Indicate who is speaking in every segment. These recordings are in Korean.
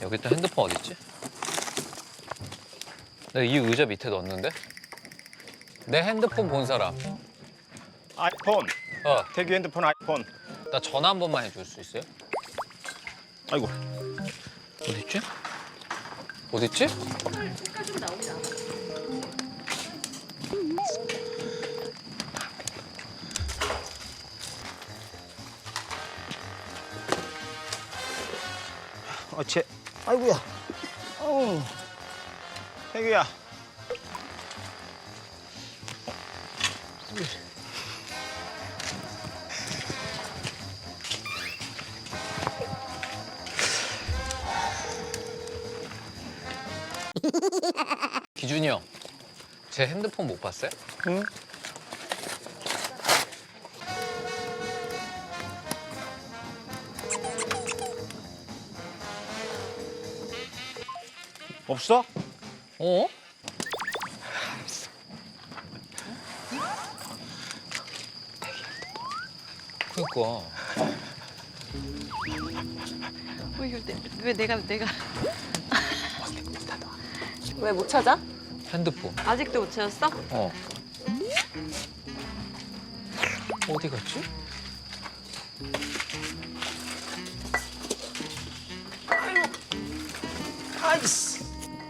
Speaker 1: 여기 또 핸드폰 어딨지? 내가 이 의자 밑에 넣었는데? 내 핸드폰 본 사람.
Speaker 2: 아이폰. 태규 핸드폰 아이폰.
Speaker 1: 나 전화 한 번만 해줄 수 있어요?
Speaker 2: 아이고.
Speaker 1: 어딨지? 어딨지?
Speaker 3: 색깔 좀 나오지 않아?
Speaker 2: 아이고야. 태규야.
Speaker 1: 기준이 형, 제 핸드폰 못 봤어요?
Speaker 2: 응? 없어?
Speaker 1: 어? 그니까.
Speaker 3: 왜 내가 왜 못 찾아?
Speaker 1: 핸드폰.
Speaker 3: 아직도 못 찾았어?
Speaker 1: 어. 어디 갔지?
Speaker 2: 아이씨.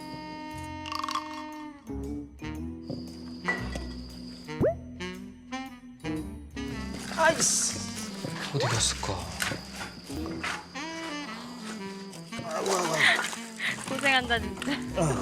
Speaker 2: 아이씨.
Speaker 1: 어디 갔을까?
Speaker 3: 고생한다 진짜.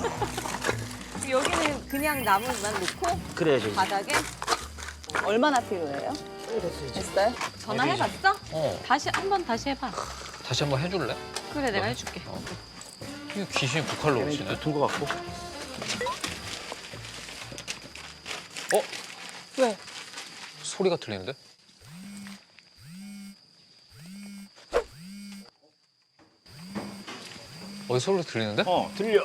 Speaker 3: 여기는 그냥 나무만 놓고
Speaker 2: 그래야지.
Speaker 3: 바닥에 얼마나 필요해요? 됐어요? 전화해봤어?
Speaker 1: 어.
Speaker 3: 다시 해봐.
Speaker 1: 다시 한번 해줄래?
Speaker 3: 그래 내가 해줄게.
Speaker 1: 이 귀신이 북할로 오시네.
Speaker 2: 붙은 것 같고.
Speaker 1: 어?
Speaker 3: 왜?
Speaker 1: 소리가 들리는데? 어디 소리 들리는데?
Speaker 2: 들려.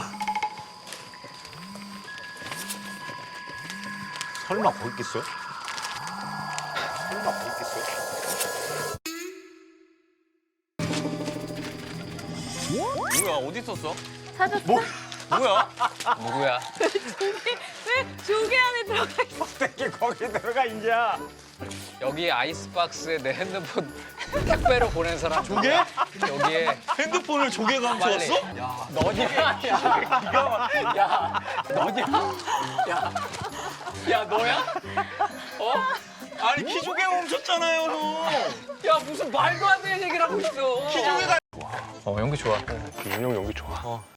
Speaker 2: 설마 거기 있겠어요? 설마 거기 있겠어요?
Speaker 1: 뭐야? 어디 있었어?
Speaker 3: 찾았어?
Speaker 1: 뭐야? 누구야?
Speaker 3: 왜 조개 안에 들어가 있어?
Speaker 2: 어떻게 거기 들어가 인자?
Speaker 1: 여기 아이스박스에 내 핸드폰 택배로 보낸 사람.
Speaker 2: 조개?
Speaker 1: 여기에
Speaker 4: 핸드폰을 조개가
Speaker 1: 빨리.
Speaker 4: 훔쳐왔어?
Speaker 1: 야, 너냐? 야, 너냐? 야, 너야? 어?
Speaker 4: 아니 키조개가 훔쳤잖아요 형.
Speaker 1: 야, 무슨 말도 안 되는 얘기를 하고 있어.
Speaker 4: 키조개가
Speaker 1: 연기 좋아.
Speaker 2: 윤영 연기 좋아.